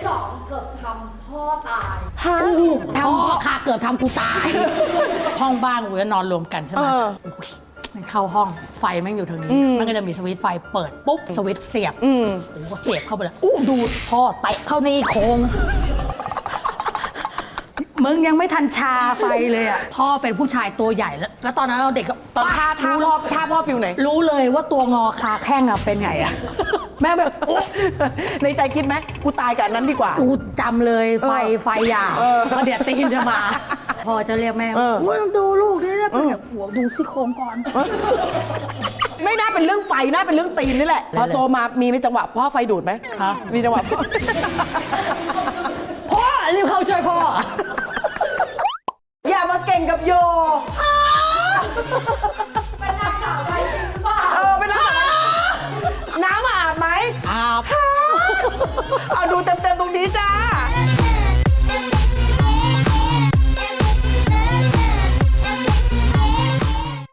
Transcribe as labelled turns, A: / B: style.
A: 2เกือบทำพ่อตาย
B: พ่อค่ะเกิดทำกูตาย ห้องบ้านกูจะนอนรวมกันใช่ไหมมันเข้าห้องไฟแม่งอยู่ทางนี้มันก็จะมีสวิตช์ไฟเปิดปุ๊บสวิตช์เสียบโอ้โหเสียบเข้าไปเลยดูดพ่อเตะเข้าในโครงมึงยังไม่ทันชาไฟเลยอ่ะพ่อเป็นผู้ชายตัวใหญ่แล้วตอนนั้นเราเด็กก็
C: ตอนท่าพ่อฟิลไหน
B: รู้เลยว่าตัวงอคาแข้งอะเป็นไงอะแม่แบบ
C: ในใจคิดไหมกูตายกับอันนั้นดีกว่า
B: กูจำเลยไฟหยาบเพราะเดี๋ยวตีนจะมา พอจะเรียกแม่ว่าต้องดูลูกนี่นะเป็นแบบหัวดูซี่โครงก่อน
C: ไม่น่าเป็นเรื่องไฟน่าเป็นเรื่องตีนนี่แหละพอโตมามีจังหวะพ่อไฟดูดไหม
B: ฮะ
C: มีจังหวะพ่อ